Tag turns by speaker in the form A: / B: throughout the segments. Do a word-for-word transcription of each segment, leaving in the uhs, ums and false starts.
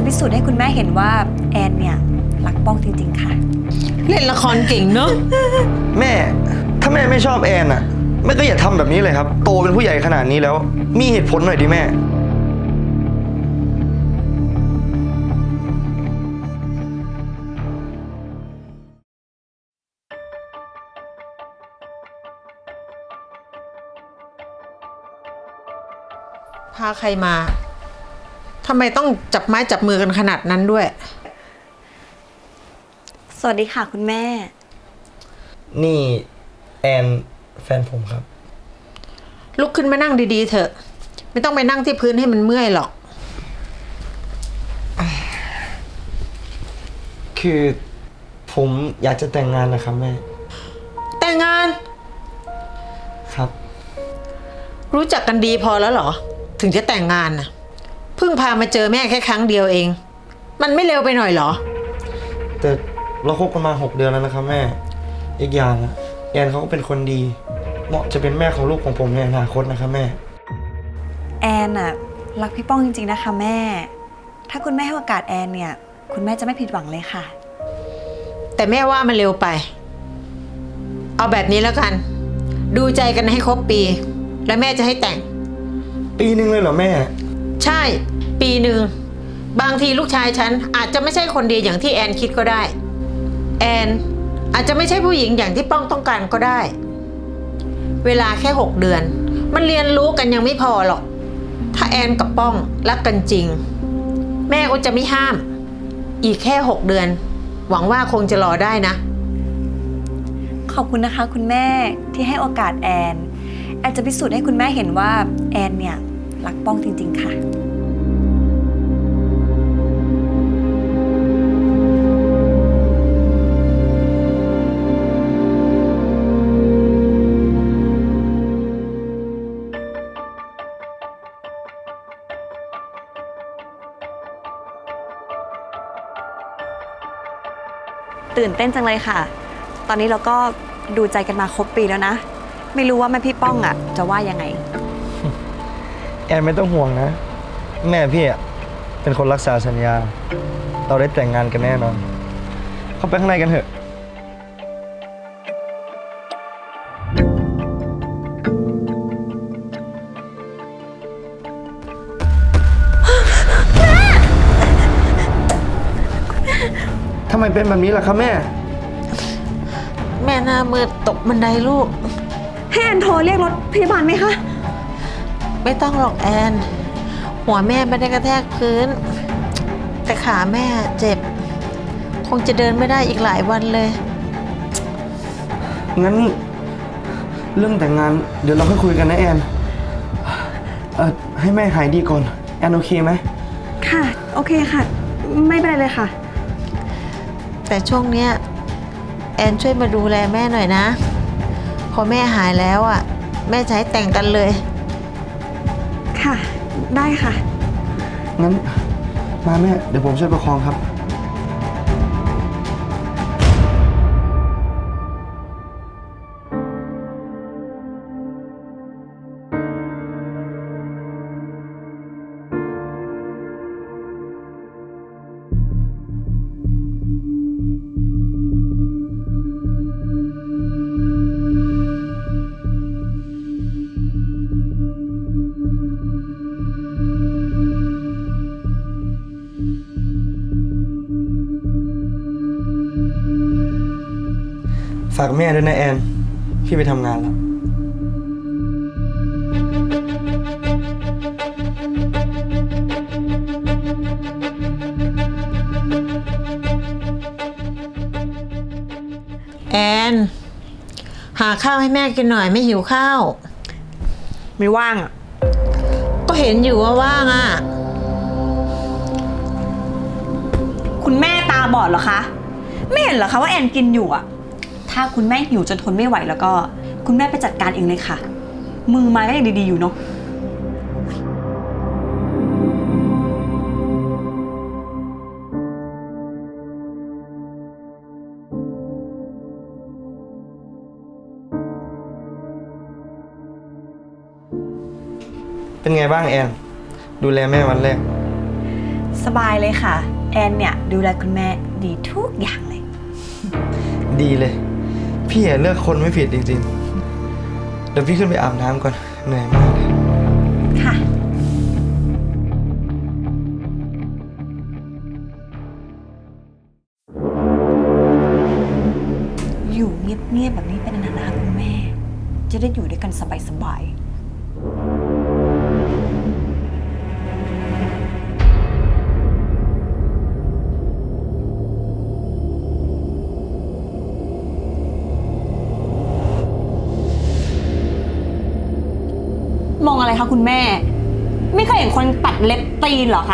A: จะพิสูจน์ให้คุณแม่เห็นว่าแอนเนี่ยรักป้องจริงๆค่ะ
B: เล่นละครเก่งเนอะ
C: แม่ถ้าแม่ไม่ชอบแอนอ่ะแม่ก็อย่าทำแบบนี้เลยครับโตเป็นผู้ใหญ่ขนาดนี้แล้วมีเหตุผลหน่อยดิแม่
B: พาใครมาทำไมต้องจับไม้จับมือกันขนาดนั้นด้วย
A: สวัสดีค่ะคุณแม่
C: นี่แอนแฟนผมครับ
B: ลุกขึ้นมานั่งดีๆเถอะไม่ต้องไปนั่งที่พื้นให้มันเมื่อยหรอก
C: คือผมอยากจะแต่งงานนะครับแม่
B: แต่งงาน
C: ครับ
B: รู้จักกันดีพอแล้วเหรอถึงจะแต่งงานน่ะเพิ่งพามาเจอแม่แค่ครั้งเดียวเองมันไม่เร็วไปหน่อยเหรอ
C: แต่เราคบกันมาหกเดือนแล้วนะครับแม่อีกอย่างอะแอนเขาก็เป็นคนดีเหมาะจะเป็นแม่ของลูกของผมในอนาคตนะครับแม่
A: แอนอะรักพี่ป้องจริงๆนะคะแม่ถ้าคุณแม่ให้โอกาสแอนเนี่ยคุณแม่จะไม่ผิดหวังเลยค่ะ
B: แต่แม่ว่ามันเร็วไปเอาแบบนี้แล้วกันดูใจกันให้ครบปีแล้วแม่จะให้แต่ง
C: ปีหนึ่งเลยเหรอแม่
B: ใช่ปีหนึ่งบางทีลูกชายฉันอาจจะไม่ใช่คนดีอย่างที่แอนคิดก็ได้แอนอาจจะไม่ใช่ผู้หญิงอย่างที่ป้องต้องการก็ได้เวลาแค่หกเดือนมันเรียนรู้กันยังไม่พอหรอกถ้าแอนกับป้องรักกันจริงแม่ก็จะไม่ห้ามอีกแค่หกเดือนหวังว่าคงจะรอได้นะ
A: ขอบคุณนะคะคุณแม่ที่ให้โอกาสแอนแอนจะพิสูจน์ให้คุณแม่เห็นว่าแอนเนี่ยรักป้องจริงๆค่ะตื่นเต้นจังเลยค่ะตอนนี้เราก็ดูใจกันมาครบปีแล้วนะไม่รู้ว่าแม่พี่ป้องอ่ะจะว่ายังไง
C: แอนไม่ต้องห่วงนะแม่พี่อ่ะเป็นคนรักษาสัญญาเราได้แต่งงานกันแน่นอนเข้าไปข้างในกันเถอะทำไมเป็นแบบนี้ล่ะครับแม่
B: แม่หน้ามืดตกบันไดลูก
A: ให้แอนโทรเรียกรถพยาบาลไหมคะ
B: ไม่ต้องหรอกแอนหัวแม่ไม่ได้กระแทกพื้นแต่ขาแม่เจ็บคงจะเดินไม่ได้อีกหลายวันเลย
C: งั้นเรื่องแต่งงานเดี๋ยวเราค่อยคุยกันนะแอนเอ่อให้แม่หายดีก่อนแอนโอเคไหม
A: ค่ะโอเคค่ะไม่เป็นไรเลยค่ะ
B: แต่ช่วงเนี้ยแอนช่วยมาดูแลแม่หน่อยนะพอแม่หายแล้วอ่ะแม่จะให้แต่งกันเลย
A: ค่ะได้ค่ะ
C: งั้นมาแม่เดี๋ยวผมช่วยประคองครับฝากแม่ด้วยนะแอนพี่ไปทำงานแล้ว
B: แอนหาข้าวให้แม่กินหน่อยไม่หิวข้าว
A: ไม่ว่างอ่ะ
B: ก็เห็นอยู่ว่าว่างอ่ะ
A: คุณแม่ตาบอดเหรอคะไม่เห็นเหรอคะว่าแอนกินอยู่อ่ะถ้าคุณแม่หิวจนทนไม่ไหวแล้วก็คุณแม่ไปจัดการเองเลยค่ะมือไม้ก็ยังดีๆอยู่เนาะ
C: เป็นไงบ้างแอนดูแลแม่วันแรก
A: สบายเลยค่ะ แอนเนี่ยดูแลคุณแม่ดีทุกอย่างเลย
C: ดีเลย พี่อะเลือกคนไม่ผิดจริงๆ เดี๋ยวพี่ขึ้นไปอาบน้ำก่อน เหนื่อยมากเลย
A: ค่ะ อยู่เงียบๆแบบนี้เป็นนานๆนะคะคุณแม่ จะได้อยู่ด้วยกันสบายๆ มองอะไรคะคุณแม่ ไม่เคยเห็นคนตัดเล็บตีนเหรอคะ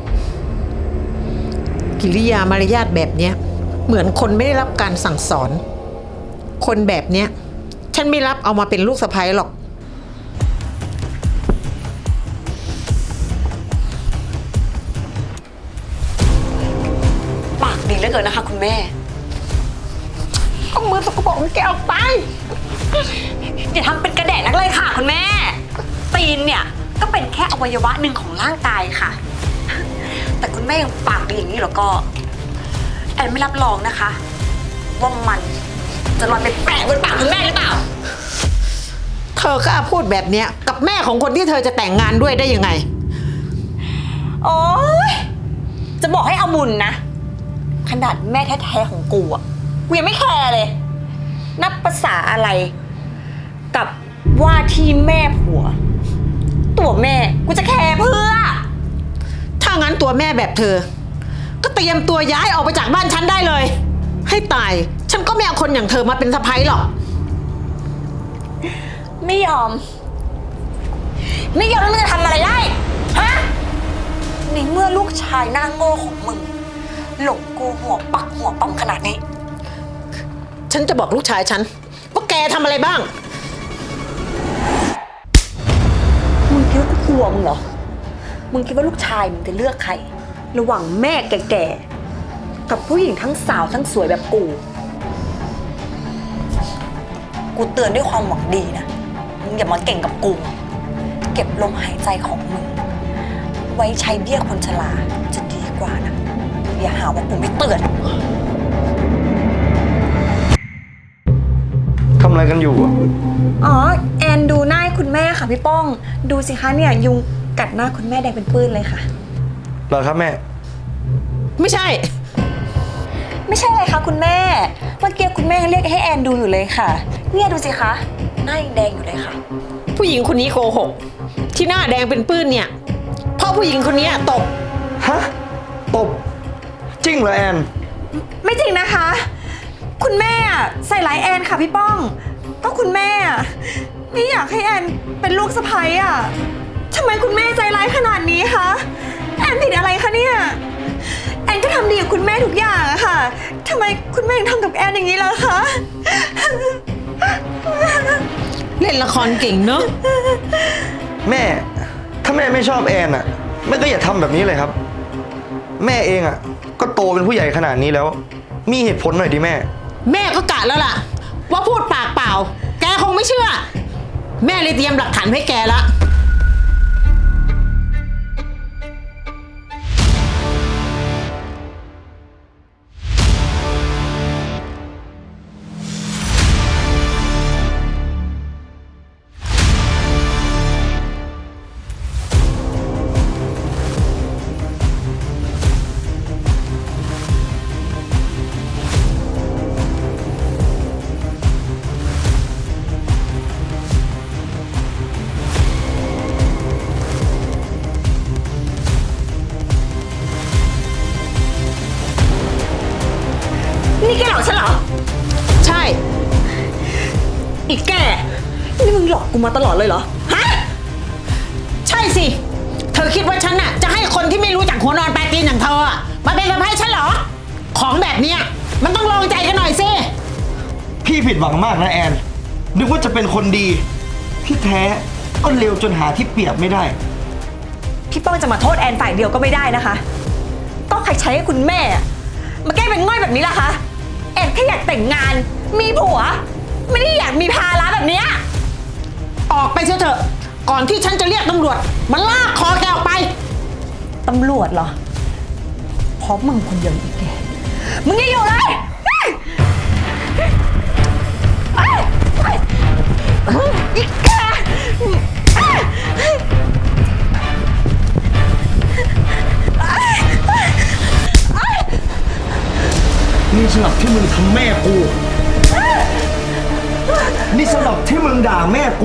B: กิริยามารยาทแบบเนี้ยเหมือนคนไม่ได้รับการสั่งสอน คนแบบเนี้ยฉันไม่รับเอามาเป็นลูกสะใภ้หรอก
A: ปากดีเหลือเกินนะคะคุณแม่
B: เอามือสกปรกของแกออกไป
A: อย่าทำเป็นกระแดะนักเลยค่ะคุณแม่ ตีนเนี่ยก็เป็นแค่อวัยวะหนึ่งของร่างกายค่ะ แต่คุณแม่ยังปากดีอย่างนี้แล้วก็ แอนไม่รับรองนะคะ ว่ามันจะลอยไปแปะบนปากคุณแม่หรือเปล่า
B: เธอกล้าพูดแบบเนี้ยกับแม่ของคนที่เธอจะแต่งงานด้วยได้ยังไง
A: โอ๊ย จะบอกให้เอาบุญนะ ขนาดแม่แท้ๆของกูอ่ะ กูยังไม่แคร์เลย นับภาษาอะไร กับว่าที่แม่ผัว ตัวแม่กูจะแคร์เพื่อ
B: ถ้างั้นตัวแม่แบบเธอ ก็เตรียมตัวย้ายออกไปจากบ้านฉันได้เลย ให้ตาย ฉันก็ไม่เอาคนอย่างเธอมาเป็นสะใภ้หรอก
A: ไม่ยอม ไม่ยอมแล้วมึงจะทำอะไรได้ ฮะ ในเมื่อลูกชายหน้าโง่ของมึง หลงกูหัวปักหัวปั๊มขนาดนี้
B: ฉันจะบอกลูกชายฉันว่าแกทำอะไรบ้าง
A: มึงคิดว่ากูกลัวมึงเหรอ มึงคิดว่าลูกชายมึงจะเลือกใคร ระหว่างแม่แก่ๆ กับผู้หญิงทั้งสาวทั้งสวยแบบกู กูเตือนด้วยความหวังดีนะ มึงอย่ามาเก่งกับกู เก็บลมหายใจของมึง ไว้ใช้เบี้ยคนชราจะดีกว่านะ อย่าหาว่ากูไม่เตือน
C: ทำอะไรกันอยู่อะ
A: อ๋อ แอนดูหน้าคุณแม่ค่ะพี่ป้อง ดูสิคะเนี่ยยุงกัดหน้าคุณแม่แดงเป็นปื้นเลยค่ะ
C: เหรอครับแม่
B: ไม่ใช่
A: ไม่ใช่เลยค่ะคุณแม่ เมื่อกี้คุณแม่เรียกให้แอนดูอยู่เลยค่ะ เนี่ยดูสิคะ หน้ายังแดงอยู่เลยค่ะ
B: ผู้หญิงคนนี้โกหก ที่หน้าแดงเป็นปื้นเนี่ยเพราะผู้หญิงคนนี้ตบ
C: ฮะ ตบ จริงเหรอแอน
A: ไม่จริงนะคะ คุณแม่ใส่ร้ายแอนค่ะพี่ป้อง ก็คุณแม่ไม่อยากให้แอนเป็นลูกสะใภ้อ่ะทำไมคุณแม่ใจร้ายขนาดนี้คะแอนผิดอะไรคะเนี่ยแอนก็ทำดีกับคุณแม่ทุกอย่างอะค่ะทำไมคุณแม่ถึงทำกับแอนอย่างนี้ล่ะคะ
B: เล่นละครเก่งเนอะ
C: แม่ ถ้าแม่ไม่ชอบแอนอะแม่ก็อย่าทำแบบนี้เลยครับ แม่เองอะก็โตเป็นผู้ใหญ่ขนาดนี้แล้ว มีเหตุผลหน่อยดิแม่
B: แม่ก็กะแล้วล่ะ ว่าพูดปากเปล่า แกคงไม่เชื่อ แม่เลยเตรียมหลักฐานให้แกละ
A: นี่แกหลอกฉันเหรอ
B: ใช่
A: อีกแก นี่มึงหลอกกูมาตลอดเลยเหรอ ฮะ
B: ใช่สิ เธอคิดว่าฉันน่ะจะให้คนที่ไม่รู้จักหัวนอนปลายตีนอย่างเธออะมาเป็นสะใภ้ฉันเหรอ ของแบบเนี้ยมันต้องลองใจกันหน่อยสิ
C: พี่ผิดหวังมากนะแอน นึกว่าจะเป็นคนดี ที่แท้ก็เลวจนหาที่เปรียบไม่ได้
A: พี่ป้องจะมาโทษแอนฝ่ายเดียวก็ไม่ได้นะคะ ก็ใครใช้ให้คุณแม่มาแก้เป็นง่อยแบบนี้ล่ะคะ แอนแค่อยากแต่งงาน มีผัว ไม่ได้อยากมีภาระแบบเนี้ย
B: ออกไปเสียเถอะ ก่อนที่ฉันจะเรียกตำรวจมาลากคอแกออกไป
A: ตำรวจเหรอเพราะมึงคนเดียวอีกแกมึงอย่าอยู่เลยอีกแก
C: นี่สำหรับที่มึงทำแม่กู นี่สำหรับที่มึงด่าแม่กู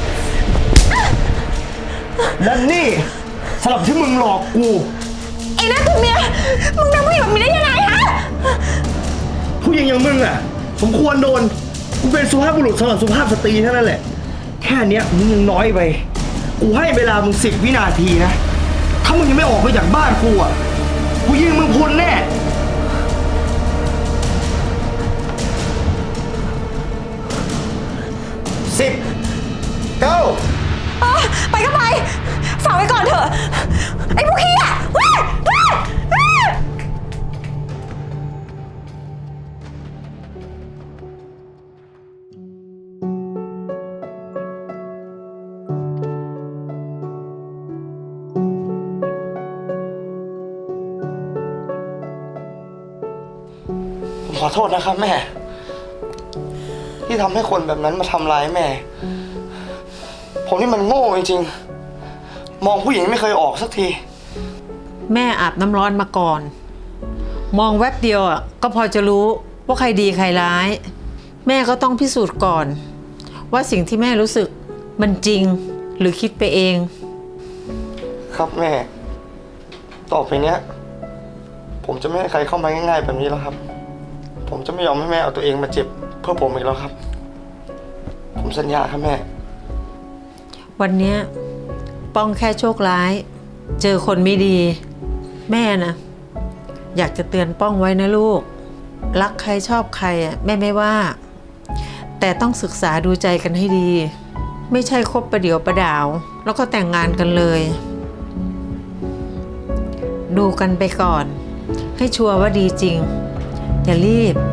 C: และนี่สำหรับที่มึงหลอกกู
A: ไอ้นั่นตัวเมียมึงทำผู้หญิงแบบนี้ได้ยังไงฮะ
C: ผู้หญิงอย่างมึงอ่ะสมควรโดน กูเป็นสุภาพบุรุษสำหรับสุภาพสตรีเท่านั้นแหละ แค่เนี้ยมึงยังน้อยไป กูให้เวลามึงสิบวินาทีนะ ถ้ามึงยังไม่ออกไปจากบ้านกูอ่ะ กูยิงมึงพรุนแน่ สิบ เก้า
A: เออไปก็ไปฝากไว้ก่อนเถอะ ไอ้พวกขี้อ่ะเว้ยเว้ยเว้ย
C: ผมขอโทษนะครับแม่ ที่ทำให้คนแบบนั้นมาทำร้ายแม่ ผมนี่มันโง่จริงๆ มองผู้หญิงไม่เคยออกสักที
B: แม่อาบน้ำร้อนมาก่อน มองแวบเดียวอ่ะก็พอจะรู้ว่าใครดีใครร้าย แม่ก็ต้องพิสูจน์ก่อน ว่าสิ่งที่แม่รู้สึกมันจริงหรือคิดไปเอง
C: ครับแม่ ต่อไปเนี้ย ผมจะไม่ให้ใครเข้ามาง่ายๆแบบนี้แล้วครับ ผมจะไม่ยอมให้แม่เอาตัวเองมาเจ็บเพื่อผมอีกแล้วครับ ผมสัญญาครับแม่
B: วันเนี้ยป้องแค่โชคร้าย เจอคนไม่ดี แม่นะอยากจะเตือนป้องไว้นะลูก รักใครชอบใครอ่ะแม่ไม่ว่า แต่ต้องศึกษาดูใจกันให้ดี ไม่ใช่คบประเดี๋ยวประดาว แล้วก็แต่งงานกันเลย ดูกันไปก่อน ให้ชัวร์ว่าดีจริง อย่ารีบ